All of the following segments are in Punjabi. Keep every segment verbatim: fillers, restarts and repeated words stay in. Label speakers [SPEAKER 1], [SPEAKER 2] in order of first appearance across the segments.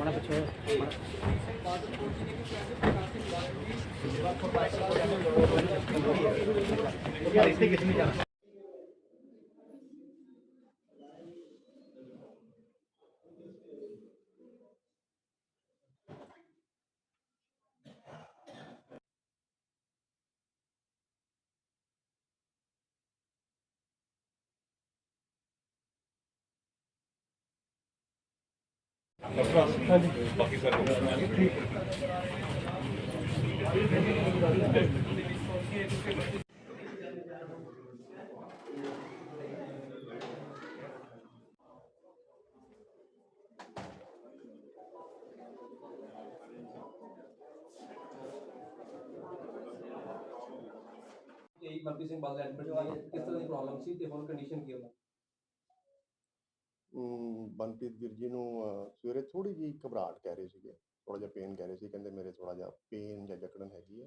[SPEAKER 1] बड़ा कुछ
[SPEAKER 2] बाकी सर
[SPEAKER 3] यही मनप्रीत सिंह बादल एडमिट हुआ है किस तरह की प्रॉब्लम सी ਤੇ ਹੁਣ ਕੰਡੀਸ਼ਨ ਕੀ ਹੋਣਾ
[SPEAKER 4] ਮਨਪ੍ਰੀਤ ਵੀਰ ਜੀ ਨੂੰ ਅਹ, ਸਵੇਰੇ ਥੋੜੀ ਜਿਹੀ ਘਬਰਾਹਟ ਕਹਿ ਰਹੇ ਸੀਗੇ, ਥੋੜਾ ਜਿਹਾ ਪੇਨ ਕਹਿ ਰਹੇ ਸੀ, ਕਹਿੰਦੇ ਮੇਰੇ ਥੋੜਾ ਜਿਹਾ ਪੇਨ ਜਾਂ ਜਕੜਨ ਹੈਗੀ ਹੈ।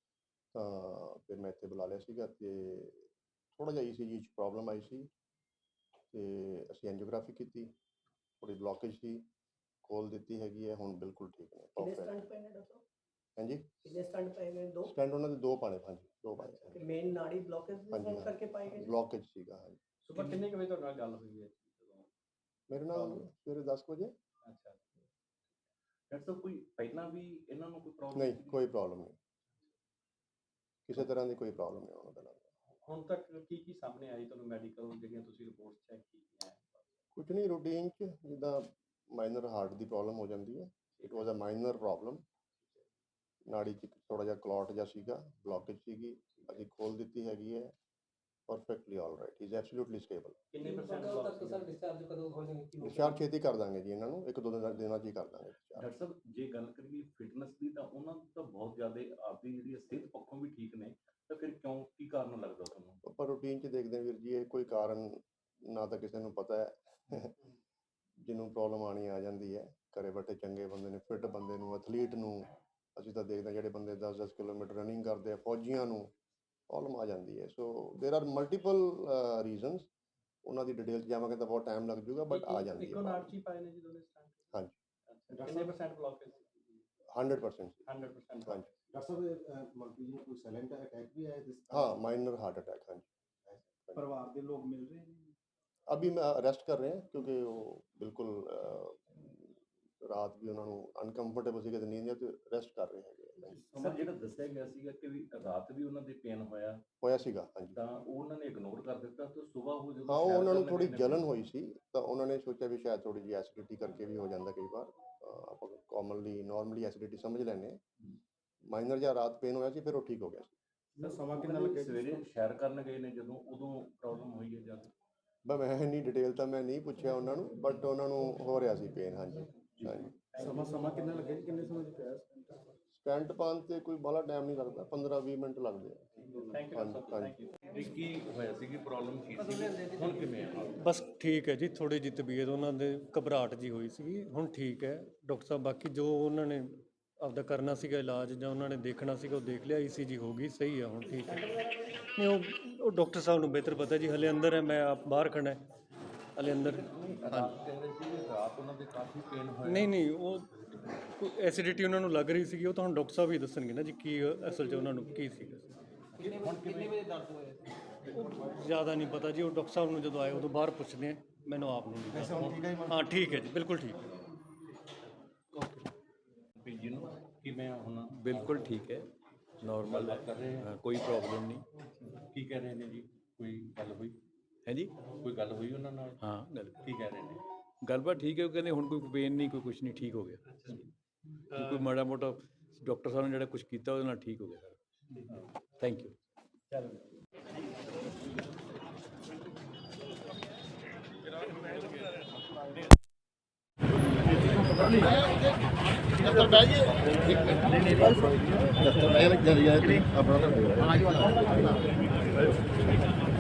[SPEAKER 4] ਤਾਂ ਫਿਰ ਮੈਂ ਇੱਥੇ ਬੁਲਾ ਲਿਆ ਸੀਗਾ ਤੇ ਥੋੜਾ ਜਿਹਾ ਈਸੀਜੀ 'ਚ ਪ੍ਰੋਬਲਮ ਆਈ ਸੀ ਤੇ ਅਸੀਂ ਐਂਜੀਓਗ੍ਰਾਫੀ ਕੀਤੀ, ਥੋੜੀ ਬਲੋਕੇਜ ਸੀ, ਖੋਲ ਦਿੱਤੀ ਹੈਗੀ ਹੈ, ਹੁਣ ਬਿਲਕੁਲ ਠੀਕ ਨੇ।
[SPEAKER 5] ਕਿੰਨੇ ਸਟੰਟ ਪਏ ਨੇ ਡਾਕਟਰ?
[SPEAKER 4] ਹਾਂਜੀ,
[SPEAKER 5] ਕਿੰਨੇ ਸਟੰਟ ਪਏ ਨੇ? ਦੋ
[SPEAKER 4] ਸਟੈਂਡ ਉਹਨਾਂ ਦੇ ਦੋ ਪਾਣੇ, ਹਾਂਜੀ ਦੋ ਪਾਣੇ।
[SPEAKER 5] ਤੇ ਮੇਨ ਨਾੜੀ ਬਲੋਕੇਜ ਕਰਕੇ ਪਾਏ ਗਏ?
[SPEAKER 4] ਬਲੋਕੇਜ ਸੀਗਾ, ਹਾਂਜੀ।
[SPEAKER 3] ਸੁਬਹ ਕਿੰਨੇ ਕੁ ਵਜੇ ਤੁਹਾਡੇ ਨਾਲ ਗੱਲ ਹੋਈ ਹੈ
[SPEAKER 4] ਮੇਰੇ ਨਾਲ ਸਵੇਰੇ ਦਸ ਵਜੇ।
[SPEAKER 2] ਅੱਛਾ ਡਾਕਟਰ ਸਾਹਿਬ ਕੋਈ ਪਹਿਲਾਂ ਵੀ ਇਹਨਾਂ ਨੂੰ ਕੋਈ ਪ੍ਰੋਬਲਮ
[SPEAKER 4] ਨਹੀਂ, ਕੋਈ ਪ੍ਰੋਬਲਮ ਨਹੀਂ, ਕਿਸੇ ਤਰ੍ਹਾਂ ਦੀ ਕੋਈ ਪ੍ਰੋਬਲਮ ਨਹੀਂ ਉਹਨਾਂ ਦੇ ਨਾਲ।
[SPEAKER 3] ਹੁਣ ਤੱਕ ਕੀ ਕੀ ਸਾਹਮਣੇ ਆਈ ਤੁਹਾਨੂੰ ਮੈਡੀਕਲ ਜਿਹੜੀਆਂ ਤੁਸੀਂ ਰਿਪੋਰਟਸ ਚੈੱਕ ਕੀਤੀਆਂ?
[SPEAKER 4] ਕੁਝ ਨਹੀਂ, ਰੂਟੀਨ 'ਚ ਜਿੱਦਾਂ ਮਾਈਨਰ ਹਾਰਟ ਦੀ ਪ੍ਰੋਬਲਮ ਹੋ ਜਾਂਦੀ ਹੈ, it was a minor problem. ਨਾੜੀ 'ਚ ਥੋੜਾ ਜਿਹਾ ਕਲੌਟ ਜਿਹਾ ਸੀਗਾ, ਬਲੋਕੇਜ ਸੀਗੀ, ਅਸੀਂ ਖੋਲ ਦਿੱਤੀ ਹੈਗੀ ਹੈ, perfectly all right, is absolutely stable.
[SPEAKER 3] ਕਿੰਨੇ ਪਰਸੈਂਟ ਤੱਕ ਸਰ ਡਿਸਚਾਰਜ ਕਦੋਂ ਹੋ ਜਾਣਗੇ?
[SPEAKER 4] ਡਿਸਚਾਰਜ ਛੇਤੀ ਕਰ ਦਾਂਗੇ ਜੀ, ਇਹਨਾਂ ਨੂੰ ਇੱਕ ਦੋ ਦਿਨਾਂ ਦਿਨਾਂ 'ਚ ਹੀ ਕਰ ਦਾਂਗੇ discharge।
[SPEAKER 2] ਡਾਕਟਰ ਸਾਹਿਬ ਜੇ ਗੱਲ ਕਰੀਏ ਫਿਟਨੈਸ ਦੀ ਤਾਂ ਉਹਨਾਂ ਨੂੰ ਤਾਂ ਬਹੁਤ ਜ਼ਿਆਦਾ ਆਪਦੀ ਜਿਹੜੀ ਸਿਹਤ ਪੱਖੋਂ ਵੀ ਠੀਕ ਨੇ, ਤਾਂ ਫਿਰ ਕਿਉਂ ਕੀ ਕਾਰਨ ਲੱਗਦਾ ਤੁਹਾਨੂੰ?
[SPEAKER 4] ਪਰ ਰੂਟੀਨ 'ਚ ਦੇਖਦੇ ਹਾਂ ਵੀਰ ਜੀ, ਇਹ ਕੋਈ ਕਾਰਨ ਨਾ ਤਾਂ ਕਿਸੇ ਨੂੰ ਪਤਾ ਹੈ ਜਿਹਨੂੰ ਪ੍ਰੋਬਲਮ ਆਣੀ ਆ ਜਾਂਦੀ ਹੈ। ਘਰੇ ਬੈਠੇ ਚੰਗੇ ਬੰਦੇ ਨੇ, ਫਿੱਟ ਬੰਦੇ ਨੂੰ, ਐਥਲੀਟ ਨੂੰ ਅਸੀਂ ਤਾਂ ਦੇਖਦੇ ਹਾਂ ਜਿਹੜੇ ਬੰਦੇ ਦਸ ਦਸ ਕਿਲੋਮੀਟਰ ਰਨਿੰਗ ਕਰਦੇ ਆ, ਫੌਜੀਆਂ ਨੂੰ ਪ੍ਰੋਬਲਮ ਆ ਜਾਂਦੀ ਹੈ। ਸੋ ਦੇਰ ਆਰ ਮਲਟੀਪਲ ਰੀਜ਼ਨਸ, ਉਹਨਾਂ ਦੀ ਡਿਟੇਲ 'ਚ ਜਾਵਾਂਗੇ ਤਾਂ ਬਹੁਤ ਟਾਈਮ ਲੱਗ ਜਾਊਗਾ, ਬਟ ਆ ਜਾਂਦੀ ਹੈ।
[SPEAKER 3] ਇੱਕੋ ਨਾੜ 'ਚ ਹੀ ਪਾਏ ਨੇ ਜੀ ਦੋਨੇ ਸਟੰਟ?
[SPEAKER 4] ਹਾਂਜੀ।
[SPEAKER 3] ਕਿੰਨੇ percent blockage?
[SPEAKER 4] Hundred percent.
[SPEAKER 3] Hundred percent.
[SPEAKER 4] ਹਾਂਜੀ।
[SPEAKER 6] डॉक्टर साहब मलकीत जी कोई साइलेंट अटैक भी आया जिस
[SPEAKER 4] हाँ, माइनर हार्ट अटैक, हाँ जी।
[SPEAKER 6] परिवार के लोग मिल रहे हैं?
[SPEAKER 4] अभी मैं अरेस्ट कर रहे हैं क्योंकि वो बिल्कुल अ, रात भी उन्होंने अनकंफर्टेबल ਸੀ, ਨੀਂਦ ਆ, ਤੇ ਰੈਸਟ ਕਰ ਰਹੇ ਹੈਗੇ।
[SPEAKER 2] ਸਰ ਜਿਹੜਾ ਦੱਸਿਆ ਗਿਆ ਸੀਗਾ ਕਿ ਵੀ ਰਾਤ ਵੀ ਉਹਨਾਂ ਦੇ ਪੇਨ ਹੋਇਆ
[SPEAKER 4] ਹੋਇਆ ਸੀਗਾ, ਹਾਂਜੀ।
[SPEAKER 2] ਤਾਂ ਉਹ ਉਹਨਾਂ ਨੇ ਇਗਨੋਰ ਕਰ ਦਿੱਤਾ ਤੇ ਸਵੇਰ ਹੋ ਜਦੋਂ
[SPEAKER 4] ਹਾਂ, ਉਹ
[SPEAKER 2] ਸੈਰ
[SPEAKER 4] ਉਹਨਾਂ ਨੂੰ
[SPEAKER 2] ਕਰਨ
[SPEAKER 4] ਥੋੜੀ
[SPEAKER 2] ਗਏ ਨੇ-
[SPEAKER 4] ਜਲਨ ਹੋਈ ਸੀ, ਤਾਂ ਉਹਨਾਂ ਨੇ ਸੋਚਿਆ ਵੀ ਸ਼ਾਇਦ ਥੋੜੀ ਜਿਹੀ ਐਸਿਡਿਟੀ ਕਰਕੇ ਵੀ ਹੋ ਜਾਂਦਾ ਕਈ ਵਾਰ। ਅ, ਆਪਾਂ ਕਾਮਨਲੀ ਨਾਰਮਲੀ ਐਸਿਡਿਟੀ ਸਮਝ ਲੈਂਦੇ ਹਾਂ। ਮਾਈਨਰ ਜਿਹਾ ਰਾਤ ਪੇਨ ਹੋਇਆ ਸੀ, ਫਿਰ ਉਹ ਠੀਕ ਹੋ ਗਿਆ ਸੀ।
[SPEAKER 2] ਸਰ ਸਮਾਂ ਕਿੰਨਾ ਲੱਗਿਆ? ਸਵੇਰੇ ਸੈਰ ਕਰਨ ਗਏ ਨੇ ਜਦੋਂ, ਉਦੋਂ ਪ੍ਰੋਬਲਮ ਹੋਈ ਹੈ ਜਦ?
[SPEAKER 4] ਬਸ ਮੈਂ ਇੰਨੀ ਡਿਟੇਲ ਤਾਂ ਮੈਂ ਨਹੀਂ ਪੁੱਛਿਆ ਉਹਨਾਂ ਨੂੰ, ਬਟ ਉਹਨਾਂ ਨੂੰ ਹੋ ਰਿਹਾ ਸੀ ਪੇਨ, ਹਾਂਜੀ ਹਾਂਜੀ।
[SPEAKER 6] ਸਮਾਂ ਸਮਾਂ ਕਿੰਨਾ ਲੱਗਿਆ ਜੀ? ਕਿੰਨੇ ਸਮੇਂ 'ਚ ਪਿਆ
[SPEAKER 4] ਸਟੈਂਟ ਪਾਉਣ 'ਤੇ ਕੋਈ ਬਾਹਲਾ ਟਾਈਮ ਨਹੀਂ ਲੱਗਦਾ, ਪੰਦਰਾਂ ਵੀਹ ਮਿੰਟ ਲੱਗਦੇ ਆ।
[SPEAKER 3] ਥੈਂਕ ਯੂ
[SPEAKER 4] ਹਾਂਜੀ
[SPEAKER 3] ਸਰ, ਥੈਂਕ
[SPEAKER 4] ਹਾਂਜੀ।
[SPEAKER 3] ਯੂ।
[SPEAKER 2] ਵੀ ਕੀ ਹੋਇਆ ਸੀ, ਪ੍ਰੋਬਲਮ ਕੀ ਸੀ, ਹੁਣ ਕਿਵੇਂ ਆ?
[SPEAKER 7] ਬਸ ਠੀਕ ਹੈ ਜੀ, ਥੋੜੀ ਜਿਹੀ ਤਬੀਅਤ ਉਹਨਾਂ ਦੇ ਘਬਰਾਹਟ ਜੀ ਹੋਈ ਸੀ, ਹੁਣ ਠੀਕ ਹੈ ਡਾਕਟਰ ਸਾਹਿਬ। ਬਾਕੀ ਜੋ ਉਹਨਾਂ ਨੇ ਆਪਦਾ ਕਰਨਾ ਸੀਗਾ ਇਲਾਜ ਜਾਂ ਉਹਨਾਂ ਨੇ ਦੇਖਣਾ ਸੀਗਾ ਉਹ ਦੇਖ ਲਿਆ, ਈਸੀਜੀ ਹੋ ਗਈ, ਸਹੀ ਆ, ਹੁਣ ਠੀਕ ਹੈ। ਨਹੀਂ ਉਹ ਉਹ ਡਾਕਟਰ ਸਾਹਿਬ ਨੂੰ ਬਿਹਤਰ ਪਤਾ ਜੀ, ਹਲੇ ਅੰਦਰ ਹੈ, ਮੈਂ ਆਪ ਬਾਹਰ ਖੜਾ, ਹਲੇ ਅੰਦਰ।
[SPEAKER 2] ਰਾਤ ਕਹਿ ਰਹੇ ਸੀ ਵੀ ਰਾਤ ਉਹਨਾਂ ਦੇ ਕਾਫੀ ਪੇਨ ਹੋਇਆ।
[SPEAKER 7] ਨਹੀਂ ਨਹੀਂ, ਉਹ ਐਸਿਡਿਟੀ ਉਹਨਾਂ ਨੂੰ ਲੱਗ ਰਹੀ ਸੀਗੀ, ਉਹ ਤਾਂ ਹੁਣ ਡਾਕਟਰ ਸਾਹਿਬ ਹੀ ਦੱਸਣਗੇ ਨਾ ਜੀ ਕੀ ਅਸਲ 'ਚ ਉਹਨਾਂ ਨੂੰ ਕੀ ਸੀਗਾ।
[SPEAKER 3] ਕਿੰਨੇ ਵਜੇ ਦਰਦ ਹੋਇਆ?
[SPEAKER 7] ਉਹ ਜ਼ਿਆਦਾ ਨਹੀਂ ਪਤਾ ਜੀ, ਉਹ ਡਾਕਟਰ ਸਾਹਿਬ ਨੂੰ ਜਦੋਂ ਆਏ ਉਦੋਂ ਬਾਹਰ ਪੁੱਛਦੇ ਆ, ਮੈਨੂੰ ਆਪ ਨੂੰ ਨਹੀਂ ਪਤਾ। ਹਾਂ ਠੀਕ ਹੈ ਜੀ, ਬਿਲਕੁਲ ਠੀਕ ਹੈ।
[SPEAKER 2] ਵੀ ਜਿਹਨੂੰ ਕਿਵੇਂ ਆ ਹੁਣ?
[SPEAKER 8] ਬਿਲਕੁਲ ਠੀਕ ਹੈ, ਨੋਰਮਲ
[SPEAKER 2] ਗੱਲਬਾਤ ਕਰ ਰਹੇ
[SPEAKER 8] ਹੈ, ਕੋਈ ਪ੍ਰੋਬਲਮ ਨਹੀਂ।
[SPEAKER 2] ਕੀ ਕਹਿ ਰਹੇ ਨੇ ਜੀ? ਕੋਈ ਗੱਲ ਹੋਈ?
[SPEAKER 8] ਹੈ ਜੀ,
[SPEAKER 2] ਕੋਈ ਗੱਲ ਹੋਈ ਉਹਨਾਂ ਨਾਲ?
[SPEAKER 8] ਹਾਂ ਗੱਲ
[SPEAKER 2] ਕੀ ਕਹਿ ਰਹੇ ਨੇ?
[SPEAKER 8] ਗੱਲਬਾਤ ਠੀਕ ਹੈ, ਉਹ ਕਹਿੰਦੇ ਹੁਣ ਕੋਈ ਪੇਨ ਨਹੀਂ, ਕੋਈ ਕੁਛ ਨਹੀਂ, ਠੀਕ ਹੋ ਗਿਆ। ਕੋਈ ਕੋਈ ਮਾੜਾ ਮੋਟਾ ਡਾਕਟਰ ਸਾਹਿਬ ਨੇ ਜਿਹੜਾ ਕੁਝ ਕੀਤਾ ਉਹਦੇ ਨਾਲ ਠੀਕ ਹੋ ਗਿਆ ਸਰ। Thank you.
[SPEAKER 6] दफ्तर बैठिए दफ्तर बैठ जल्दी अपना